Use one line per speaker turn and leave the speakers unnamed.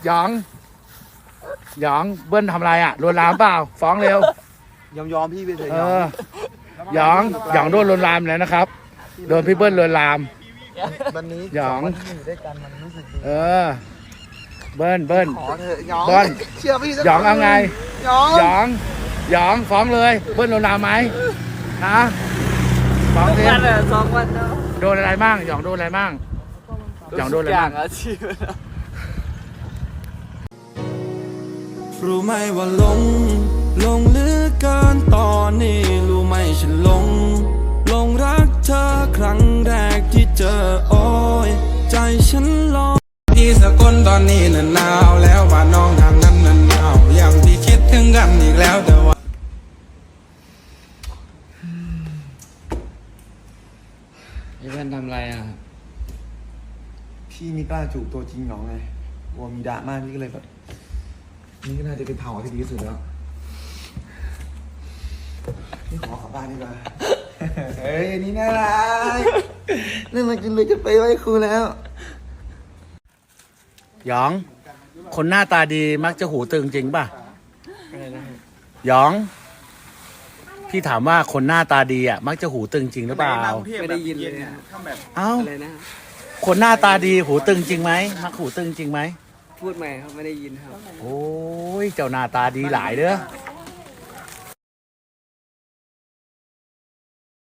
หยองหยองเบิ้ลทำอะไรอ่ะลวนลามเปล่าฟ้องเร็วย
อมพี่ไปเถอะ
หยองหยองโดนลวนลามแล้วนะครับโดนพี่เบิ้ลลวนลาม
วันนี้
หยอง
วันที่อยู่ด้วยกันมันรู้สึกดี
เบิ้ล
ขอเถอะหยอง
เบิ้ล
เชื่อพี่สัก
หยองเอาไง
หยอง
หยองหยองฟ้องเลยเบิ้ลลวนลามไหมฮะฟ้องสิ
วันเลย2 วันแล้ว
โดนอะไรบ้างหยองโดนอะไรบ้างหยองโดนอะไรบ้าง
อาชีพ
รู้ไหมว่าหลงเหลือเกินตอนนี้รู้ไหมฉันหลงรักเธอครั้งแรกที่เจอโอ้ยใจฉันลอยที่สกลตอนนี้น่ะหนาวแล้วบ้านน้องทางนั้นน่ะหนาวอย่างที่คิดถึงกันอีกแล้วแต่ว่า
ไอ้เพื่อนทำอะไรอ่ะ
พี่ไม่กล้าจูบตัวจริงหยองไงกลัวมีดราม่าพี่ก็เลยแบบนี่ก็น่าจะเป็นเผาที่ดีที่สุดแล้วนี่ขอกลับบ้านดีกว่า เฮ้ยอันนี่น่ารักน่ารักจนเลยจะไปไหว้ครูแล้ว
หยองคนหน้าตาดีมักจะหูตึงจริงป่ะหยองพี่ถามว่าคนหน้าตาดีอ่ะมักจะหูตึงจริงหรือเปล่า
ไม่ได้ยินเลยอะ
เอ้า
อะไรนะ
คนหน้าตาดีหูตึงจริงไหมมักหูตึงจริงไหม
พูดใหม่ครับไม่ได้ยินครับ
โอ้ยเจ้าหน้าตาดีหลายเด้อ